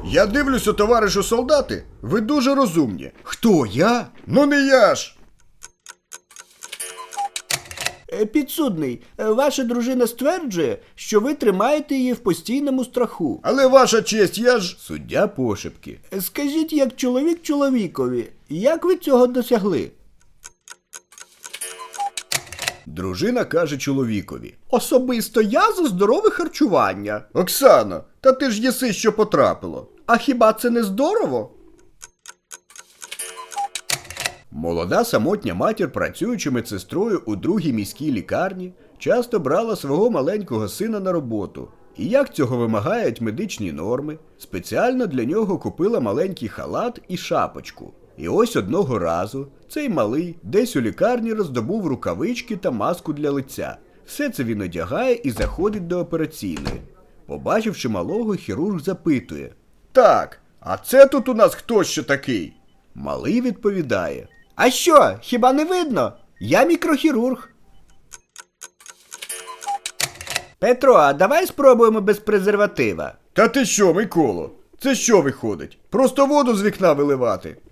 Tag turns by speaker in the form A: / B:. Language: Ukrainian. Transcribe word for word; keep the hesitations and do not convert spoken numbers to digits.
A: Я дивлюся, товаришу солдати, ви дуже розумні. Хто, я? Ну не я ж!
B: Е, Підсудний, е, ваша дружина стверджує, що ви тримаєте її в постійному страху.
A: Але ваша честь, я ж... Суддя пошепки.
B: Е, Скажіть, як чоловік чоловікові, як ви цього досягли?
A: Дружина каже чоловікові.
B: Особисто я за здорове харчування.
A: Оксано, та ти ж єси, що потрапило.
B: А хіба це не здорово?
A: Молода самотня матір, працюючи медсестрою у другій міській лікарні, часто брала свого маленького сина на роботу. І як цього вимагають медичні норми, спеціально для нього купила маленький халат і шапочку. І ось одного разу цей малий десь у лікарні роздобув рукавички та маску для лиця. Все це він одягає і заходить до операційної. Побачивши малого, хірург запитує. Так, а це тут у нас хто ще такий? Малий відповідає.
B: А що, хіба не видно? Я мікрохірург. Петро, а давай спробуємо без презерватива.
A: Та ти що, Миколо? Це що виходить? Просто воду з вікна виливати?